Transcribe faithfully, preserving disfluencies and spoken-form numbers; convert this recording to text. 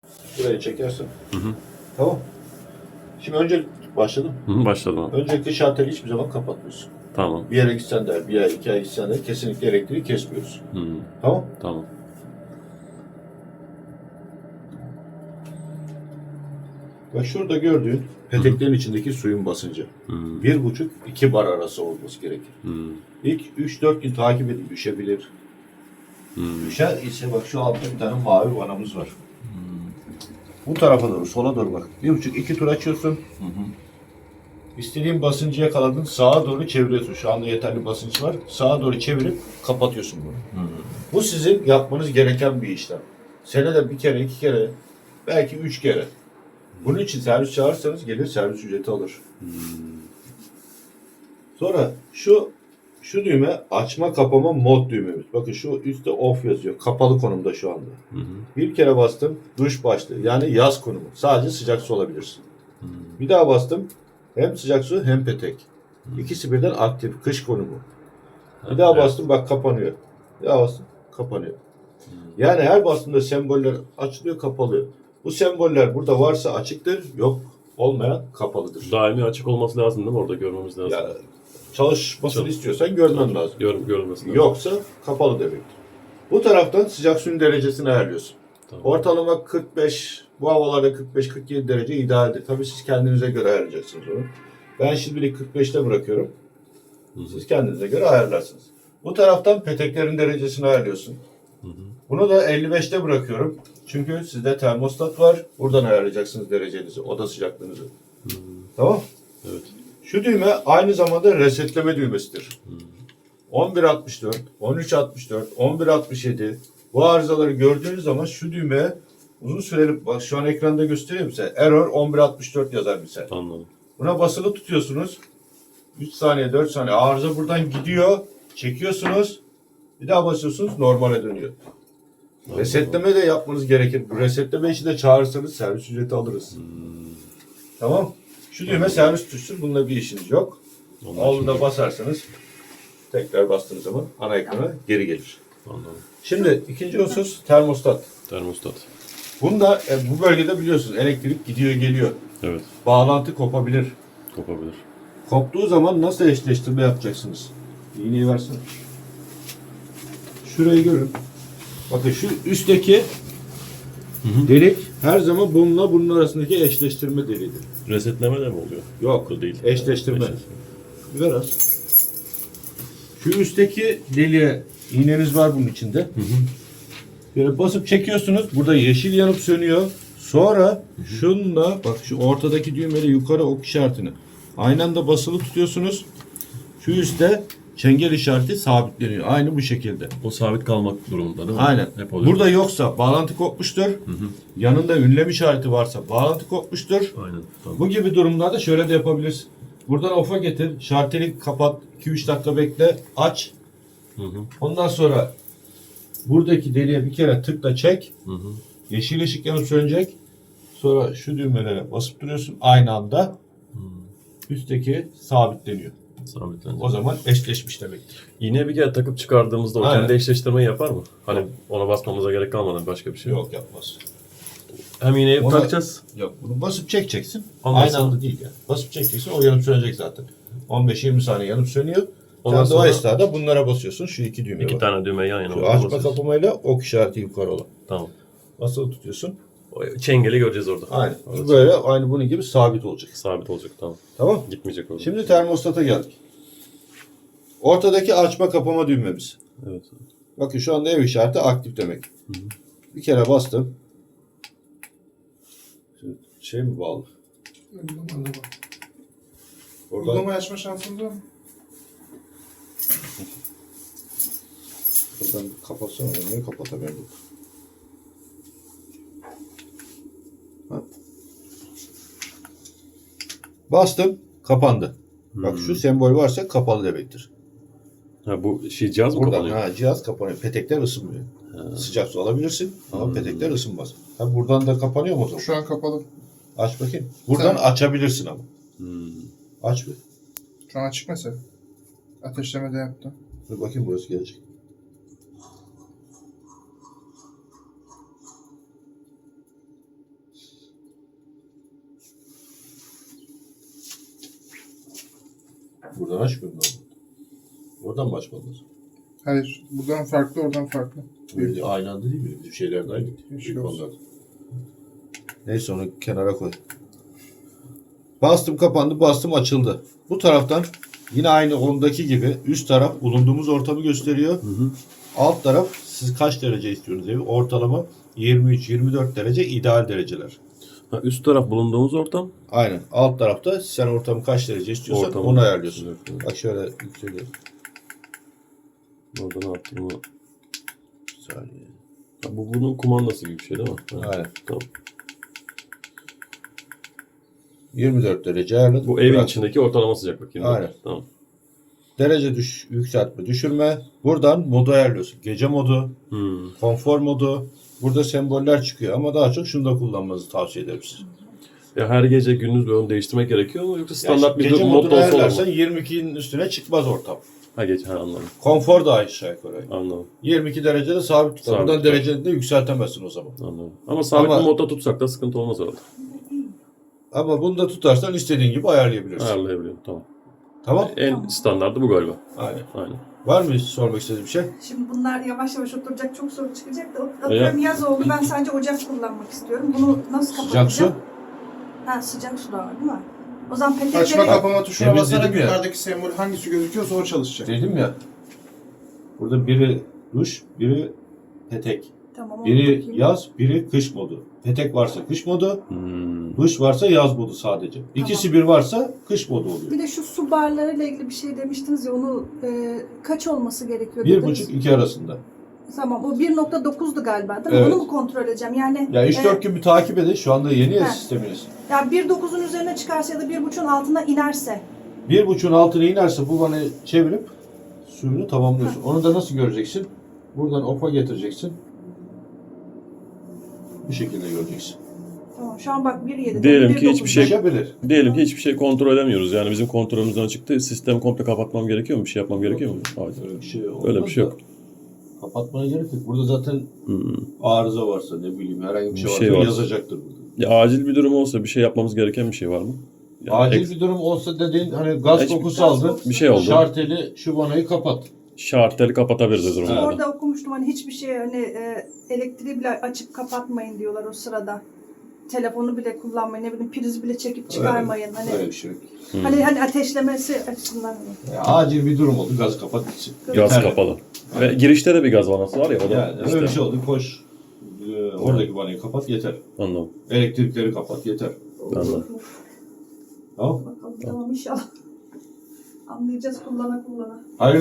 Burayı çekersin. Hı hı. Tamam. Şimdi önce başladım. Hı hı, başladım abi. Öncelikle şarteli hiçbir zaman kapatmıyorsun. Tamam. Bir yere gitsen de, bir ay, iki ay gitsen de kesinlikle elektriği kesmiyoruz. Hı. Tamam. Tamam. Bak şurada gördüğün peteklerin içindeki suyun basıncı. Hı. Bir buçuk, iki bar arası olması gerekir. Hı. İlk üç dört gün takip edin, düşebilir. Hı. Düşer ise bak şu altta bir tane mavi vanamız var. Bu tarafa doğru, sola doğru bak. Bir buçuk, iki tur açıyorsun. Hı hı. İstediğin basıncı yakaladın, sağa doğru çeviriyorsun. Şu anda yeterli basınç var. Sağa doğru çevirip kapatıyorsun bunu. Hı. Bu sizin yapmanız gereken bir işlem. Senede bir kere, iki kere, belki üç kere. Bunun için servis çağırırsanız gelir servis ücreti alır. Hmm. Sonra şu şu düğme açma kapama mod düğmemiz. Bakın şu üstte off yazıyor. Kapalı konumda şu anda. Hı hı. Bir kere bastım duş başlığı yani yaz konumu. Sadece sıcak su alabilirsin. Hmm. Bir daha bastım hem sıcak su hem petek. İkisi birden aktif kış konumu. Bir daha Evet. bastım bak kapanıyor. Bir daha bastım kapanıyor. Yani her bastığımda semboller açılıyor kapalıyor. Bu semboller burada varsa açıktır, yok olmayan kapalıdır. Daimi açık olması lazım değil mi? Orada görmemiz lazım. Yani çalışmasını Çalış- istiyorsan görmen lazım. Gör, görülmesi lazım. Yoksa kapalı demektir. Bu taraftan sıcak suyun derecesini ayarlıyorsun. Tamam. Ortalama kırk beş, bu havalarda kırk beş kırk yedi derece idealdir. Tabii siz kendinize göre ayarlayacaksınız onu. Ben şimdilik kırk beşte bırakıyorum. Hı hı. Siz kendinize göre ayarlarsınız. Bu taraftan peteklerin derecesini ayarlıyorsun. Hı hı. Bunu da elli beşte bırakıyorum. Çünkü sizde termostat var. Buradan ayarlayacaksınız derecenizi, oda sıcaklığınızı. Hı. Tamam? Evet. Şu düğme aynı zamanda resetleme düğmesidir. Hı. on bir altmış dört, on üç altmış dört, on bir altmış yedi bu arızaları gördüğünüz zaman şu düğmeye uzun süreli, bak şu an ekranda göstereyim size. Error on bir altmış dört yazar bize. Anladım. Buna basılı tutuyorsunuz. üç saniye, dört saniye arıza buradan gidiyor. Çekiyorsunuz. Bir daha basıyorsunuz normale dönüyor. Anladım. Resetleme de yapmanız gerekir. Bu resetleme işi de çağırırsanız servis ücreti alırız. Hmm. Tamam. Şu düğme servis tuşudur. Bununla bir işiniz yok. Ondan Olduğunda şimdi- basarsanız tekrar bastığınız zaman ana ekrana geri gelir. Anladım. Şimdi ikinci husus termostat. Termostat. Bunda e, bu bölgede biliyorsunuz elektrik gidiyor geliyor. Evet. Bağlantı kopabilir. Kopabilir. Koptuğu zaman nasıl eşleştirme yapacaksınız? İğneyi versene. Şurayı görün. Bakın şu üstteki hı. delik her zaman bununla bunun arasındaki eşleştirme deliğidir. Resetleme de mi oluyor? Yok. Bu değil. Eşleştirme. Eşleştirme. Biraz. Şu üstteki deliğe iğneniz var bunun içinde. Hı hı. Böyle basıp çekiyorsunuz. Burada yeşil yanıp sönüyor. Sonra şunla bak şu ortadaki düğmeyle yukarı ok işaretini aynı anda basılı tutuyorsunuz. Şu üstte çengel işareti sabitleniyor. Aynı bu şekilde. O sabit kalmak durumunda değil mi? Aynen. Hep oluyor. Burada yoksa bağlantı kopmuştur. Hı hı. Yanında ünlem işareti varsa bağlantı kopmuştur. Aynen. Tamam. Bu gibi durumlarda şöyle de yapabilirsin. Buradan off'a getir. Şarteli kapat. iki üç dakika bekle. Aç. Hı hı. Ondan sonra buradaki deliğe bir kere tıkla çek. Hı hı. Yeşil ışık yanıp sönecek. Sonra şu düğmelere basıp duruyorsun. Aynı anda Hı. üstteki sabitleniyor. Sabitlenecek. O zaman eşleşmiş demektir. İğneyi bir kere takıp çıkardığımızda o Aynen. kendi eşleştirmeyi yapar mı? Hani ona basmamıza gerek kalmadan başka bir şey yok. Yok yapmaz. Hem iğneyi Ona- takacağız. Yok bunu basıp çekeceksin. Ondan Aynı sonra- anda değil yani. Basıp çekeceksin o yanıp sönecek zaten. on beş yirmi saniye yanıp sönüyor. Ondan Sen de o sonra- esnada bunlara basıyorsun. Şu iki düğme İki var. tane düğme yan yana. Şu ona açma basıyoruz. kapamayla ok işareti yukarı olan. Tamam. Basılı tutuyorsun. O çengeli göreceğiz orada. Aynen. Orada Bu böyle aynı bunun gibi sabit olacak. sabit olacak, tamam. Tamam. Gitmeyecek orada. Şimdi termostata geldik. Ortadaki açma kapama düğmemiz. Evet. Bakın şu anda ev işareti aktif demek. Bir kere bastım. Şimdi şey mi bağlı? Uygulamalı bak. Oradan Uygulamayı açma şansınız var mı? buradan bir kapatsana. Ben niye kapatamıyorum? Ha. Bastım. Kapandı. Bak Hmm. şu sembol varsa kapalı demektir. Ha, bu şey cihaz mı Buradan kapanıyor? ha, cihaz kapanıyor. Petekler ısınmıyor. Ha. Sıcak su alabilirsin ama Hmm. petekler ısınmaz. Ha, buradan da kapanıyor mu o zaman? Şu an kapalı. Aç bakayım. Buradan Sen- açabilirsin ama. Hmm. Aç bir. Şu an açık mesela. Ateşleme de yaptım. Dur bakayım burası gelecek. Buradan açmıyorum ben. Oradan mı açmalıyız? Hayır. Buradan farklı, oradan farklı. Böyle aynı anda değil mi? Bizim şeyler de aynı. Yeşil Büyük olsun. onlar. Neyse onu kenara koy. Bastım kapandı, bastım açıldı. Bu taraftan yine aynı ondaki gibi üst taraf bulunduğumuz ortamı gösteriyor. Hı hı. Alt taraf siz kaç derece istiyorsunuz evi? Ortalama yirmi üç yirmi dört derece ideal dereceler. Ha, üst taraf bulunduğumuz ortam. Aynen. Alt tarafta sen ortamı kaç derece istiyorsan Ortamı. onu ayarlıyorsun. Evet, evet. Bak şöyle yükseliyor. Orada ne yaptım ama. Bir saniye. Ha, bu bunun kumandası gibi bir şey değil mi? Ha, Aynen. tamam. yirmi dört derece ayarladım. Bu evin Bırak. içindeki ortalama sıcaklık. yirmi dört. Aynen. Tamam. Derece düş, yükseltme, düşürme. Buradan modu ayarlıyorsun. Gece modu, Hmm. konfor modu. Burada semboller çıkıyor ama daha çok şunu da kullanmanızı tavsiye ederim size. Ya her gece gündüz böyle onu değiştirmek gerekiyor mu yoksa standart bir gece mod modunu olsa olur ayarlarsan mu? yirmi ikinin üstüne çıkmaz ortam. Ha gece ha anladım. Konfor da aşağı yukarı. Anladım. yirmi iki derecede sabit tutar. Sabit Buradan tutar. dereceni de yükseltemezsin o zaman. Anladım. Ama sabit Ama- bir modda tutsak da sıkıntı olmaz orada. Ama bunu da tutarsan istediğin gibi ayarlayabilirsin. Ayarlayabiliyorum. Tamam. Tamam? En standartı bu galiba. Aynen. Aynen. Var mı hiç sormak istediğin bir şey? Şimdi bunlar yavaş yavaş oturacak, çok soru çıkacak da atıyorum yaz oldu, ben sadece ocak kullanmak istiyorum. Bunu nasıl kapatacağım? Sıcak su. Ha, sıcak su da var değil mi? O zaman Açma petekleri... kapama tuşuna Temizledim basarak ya. yukarıdaki sembol hangisi gözüküyorsa o çalışacak. Dedim ya. Burada biri duş, biri petek. Tamam, onu Biri bakayım. yaz, biri kış modu. Petek varsa kış modu, Hmm. duş varsa yaz modu sadece. İkisi bir varsa kış modu oluyor. Bir de şu su barlarıyla ilgili bir şey demiştiniz ya, onu e, kaç olması gerekiyor Bir dediniz. buçuk iki arasında. Tamam, o bir nokta dokuzdu galiba değil mi? Evet. Onu mu kontrol edeceğim? Yani Ya üç dört e, gün bir takip edin. Şu anda yeni ya He. sisteminiz. ya bir nokta dokuzun üzerine çıkarsa ya da bir buçuğun altına inerse. Bir buçuğun altına inerse bu vanayı çevirip suyunu tamamlıyorsun. Onu da nasıl göreceksin? Buradan ofa getireceksin. Bu şekilde göreceksin. Tamam, şu an bak bir yedi. Diyelim ki hiçbir şey- Düşebilir. Diyelim ki hiçbir şey kontrol edemiyoruz. Yani bizim kontrolümüzden çıktı. Sistemi komple kapatmam gerekiyor mu? Bir şey yapmam gerekiyor mu? Hayır. Öyle bir şey olmaz Öyle bir şey da yok. Kapatmana gerek yok. Burada zaten Hmm. arıza varsa ne bileyim herhangi bir Bir şey, şey varsa var. yazacaktır burada. Ya acil bir durum olsa bir şey yapmamız gereken bir şey var mı? Yani Acil ek- bir durum olsa dediğin hani gaz Hiç- kokusu aldın. bir şey oldu. Şarteli şu vanayı kapat. şarteli kapatabiliriz durumu. Evet. Orada okumuştum hani hiçbir şey hani e, elektriği bile açıp kapatmayın diyorlar o sırada. Telefonu bile kullanmayın, ne bileyim priz bile çekip çıkarmayın. Hani Öyle bir şey yok. Hmm. hani hani ateşlemesi açısından. Ya, acil bir durum oldu. Gaz kapat gitsin. Gaz Yeterli. kapalı. Ve girişte de bir gaz vanası var ya o da Yani işte. öyle bir şey oldu. Koş. Ee, oradaki vanayı kapat yeter. Anladım. Elektrikleri kapat yeter. Anladım. Tamam. Bakalım tamam inşallah. Anlayacağız kullana kullana. Hayır.